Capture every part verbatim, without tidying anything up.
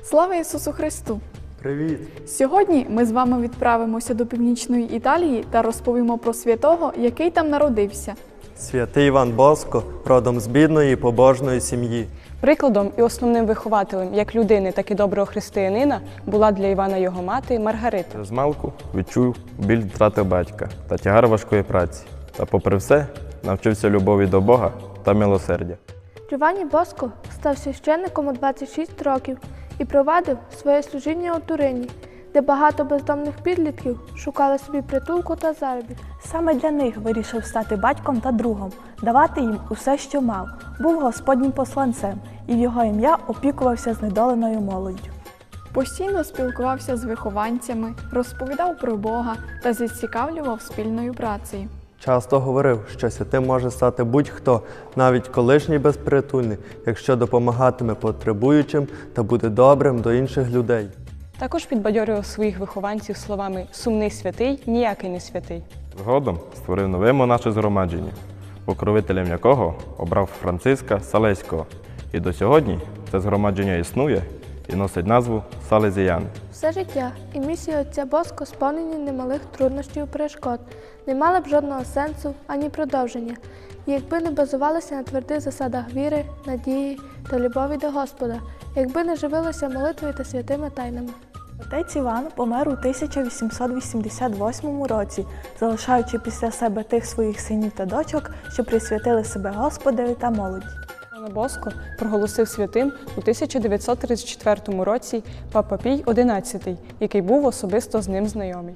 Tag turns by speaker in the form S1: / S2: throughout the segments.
S1: Слава Ісусу Христу!
S2: Привіт!
S1: Сьогодні ми з вами відправимося до Північної Італії та розповімо про святого, який там народився.
S2: Святий Іван Боско, родом з бідної побожної сім'ї.
S3: Прикладом і основним вихователем як людини, так і доброго християнина була для Івана його мати Маргарита.
S4: Змалку відчув біль втрати батька та тягар важкої праці. Та попри все навчився любові до Бога та милосердя.
S5: Джованні Боско став священником у двадцять шість років і провадив своє служіння у Турині, де багато бездомних підлітків шукали собі притулку та заробіток.
S6: Саме для них вирішив стати батьком та другом, давати їм усе, що мав. Був Господнім посланцем і в його ім'я опікувався знедоленою молоддю.
S1: Постійно спілкувався з вихованцями, розповідав про Бога та зацікавлював спільною працею.
S2: Часто говорив, що святим може стати будь-хто, навіть колишній безпритульний, якщо допомагатиме потребуючим та буде добрим до інших людей.
S3: Також підбадьорював своїх вихованців словами «сумний святий, ніякий не святий».
S4: Згодом створив нове монаше згромадження, покровителем якого обрав Франциска Салезького. І до сьогодні це згромадження існує і носить назву Салезіяни.
S5: Все життя і місія отця Боско сповнені немалих труднощів і перешкод, не мали б жодного сенсу ані продовження, якби не базувалися на твердих засадах віри, надії та любові до Господа, якби не живилися молитвою та святими тайнами.
S6: Отець Іван помер у тисяча вісімсот вісімдесят восьмому році, залишаючи після себе тих своїх синів та дочок, що присвятили себе Господеві та молоді.
S3: Івана Боско проголосив святим у тисяча дев'ятсот тридцять четвертому році Папа Пій одинадцятий, який був особисто з ним знайомий.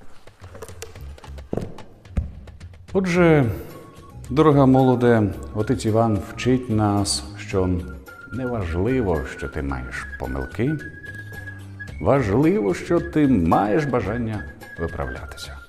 S7: Отже, дорога молоде, отець Іван вчить нас, що неважливо, що ти маєш помилки, важливо, що ти маєш бажання виправлятися.